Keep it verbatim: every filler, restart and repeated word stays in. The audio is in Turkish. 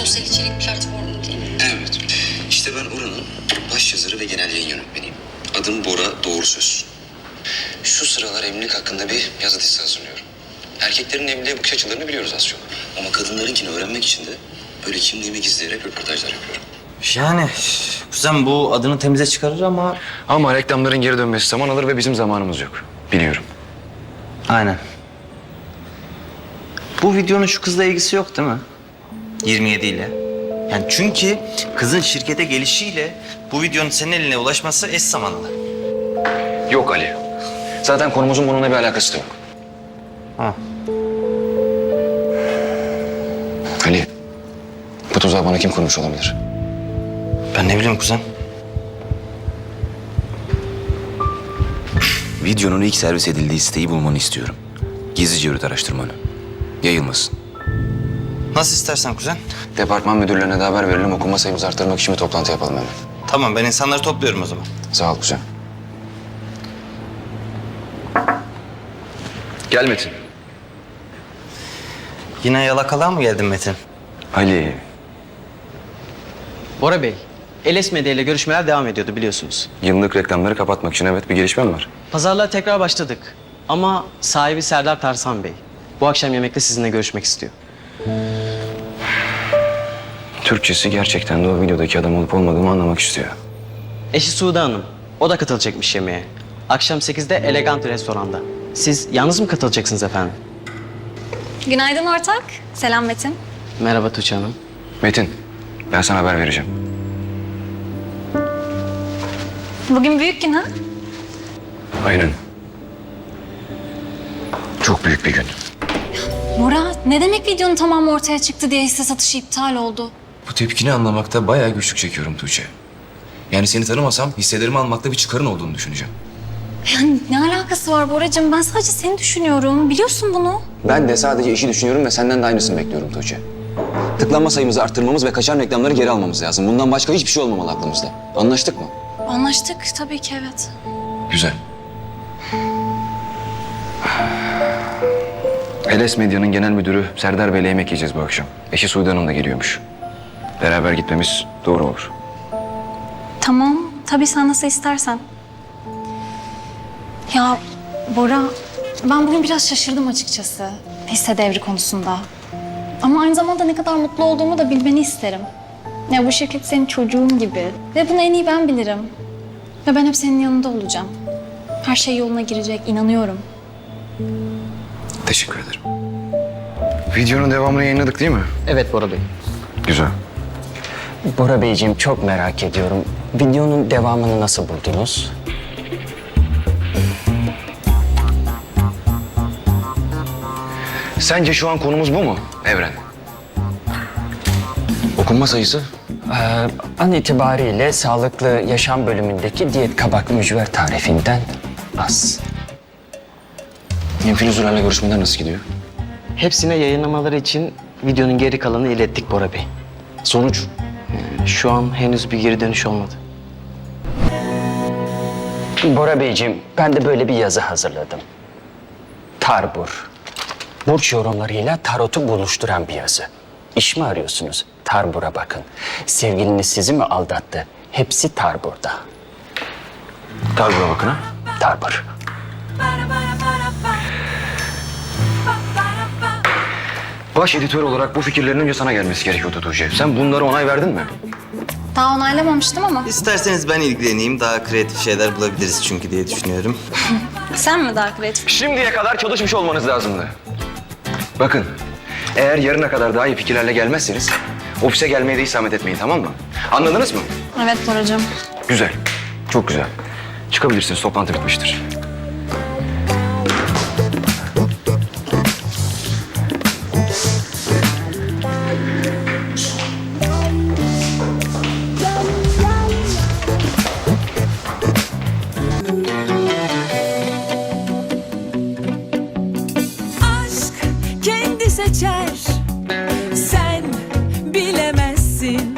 sosyal içerik platformu değil mi? Evet. İşte ben oranın baş yazarı ve genel yayın yönetmeniyim. Adım Bora Doğru Söz. Şu sıralar evlilik hakkında bir yazı dizisi hazırlıyorum. Erkeklerin evliliğe bakış açılarını biliyoruz az çok. Ama kadınlarınkini öğrenmek için de böyle kimliğimi gizleyerek röportajlar yapıyorum. Yani kuzen bu adını temize çıkarır ama... Ama reklamların geri dönmesi zaman alır ve bizim zamanımız yok. Biliyorum. Aynen. Bu videonun şu kızla ilgisi yok değil mi? yirmi yedi ile. Yani çünkü kızın şirkete gelişiyle bu videonun senin eline ulaşması eş zamanlı. Yok Ali. Zaten konumuzun bununla bir alakası da yok. Ha. Ali, bu tuzağı bana kim kurmuş olabilir? Ben ne bileyim kuzen. Videonun ilk servis edildiği siteyi bulmanı istiyorum. Gizlice yürüt araştırmanı. Yayılmasın. Nasıl istersen kuzen. Departman müdürlerine de haber verelim. Okuma sayımızı arttırmak için bir toplantı yapalım hemen. Tamam, ben insanları topluyorum o zaman. Sağ ol kuzen. Gel Metin. Yine yalakalığa mı geldin Metin? Ali. Bora Bey, Eles Medya ile görüşmeler devam ediyordu biliyorsunuz. Yıllık reklamları kapatmak için evet bir gelişmem var. Pazarlığa tekrar başladık. Ama sahibi Serdar Tarsan Bey bu akşam yemekte sizinle görüşmek istiyor. Türkçesi gerçekten de o videodaki adam olup olmadığımı anlamak istiyor. Eşi Sude Hanım, o da katılacakmış yemeğe. Akşam sekizde Elegant restoranda. Siz yalnız mı katılacaksınız efendim? Günaydın ortak. Selam Metin. Merhaba Tuğçe Hanım. Metin, ben sana haber vereceğim. Bugün büyük gün ha? Aynen. Çok büyük bir gün. Bora, ne demek videonun tamamı ortaya çıktı diye hisse satışı iptal oldu? Bu tepkini anlamakta bayağı güçlük çekiyorum Tuğçe. Yani seni tanımasam hisselerimi almakta bir çıkarın olduğunu düşüneceğim. Yani ne alakası var Boracığım? Ben sadece seni düşünüyorum. Biliyorsun bunu. Ben de sadece işi düşünüyorum ve senden de aynısını bekliyorum Tuğçe. Tıklanma sayımızı arttırmamız ve kaçan reklamları geri almamız lazım. Bundan başka hiçbir şey olmamalı aklımızda. Anlaştık mı? Anlaştık tabii ki evet. Güzel. Eles Medya'nın genel müdürü Serdar Bey'le yemek yiyeceğiz bu akşam. Eşi Sude Hanım da geliyormuş. Beraber gitmemiz doğru olur. Tamam. Tabii sen nasıl istersen. Ya Bora, ben bugün biraz şaşırdım açıkçası hisse devri konusunda. Ama aynı zamanda ne kadar mutlu olduğumu da bilmeni isterim. Ya bu şirket senin çocuğun gibi ve bunu en iyi ben bilirim. Ve ben hep senin yanında olacağım. Her şey yoluna girecek, inanıyorum. Teşekkür ederim. Videonun devamını yayınladık değil mi? Evet Bora Bey. Güzel. Bora Beyciğim çok merak ediyorum. Videonun devamını nasıl buldunuz? Sence şu an konumuz bu mu Evren? Okunma sayısı? Ee, an itibariyle sağlıklı yaşam bölümündeki diyet kabak mücver tarifinden az. İnfilüzürlerle görüşmeler nasıl gidiyor? Hepsine yayınlamaları için videonun geri kalanını ilettik Bora Bey. Sonuç? Şu an henüz bir geri dönüş olmadı. Bora Beyciğim ben de böyle bir yazı hazırladım. Tarbur. Burç yorumlarıyla tarotu buluşturan bir yazı. İş mi arıyorsunuz? Tarbur'a bakın. Sevgiliniz sizi mi aldattı? Hepsi Tarbur'da. Tarbur'a bakın ha. Tarbur. Baş editör olarak bu fikirlerin önce sana gelmesi gerekiyordu Tuğçe. Sen bunlara onay verdin mi? Daha onaylamamıştım ama İsterseniz ben ilgileneyim. Daha kreatif şeyler bulabiliriz çünkü diye düşünüyorum. sen mi daha kreatif? Şimdiye kadar çalışmış olmanız lazımdı. Bakın, eğer yarına kadar daha iyi fikirlerle gelmezseniz ofise gelmeye de isamet etmeyin, tamam mı? Anladınız mı? Evet Boracığım. Güzel, çok güzel. Çıkabilirsiniz, toplantı bitmiştir.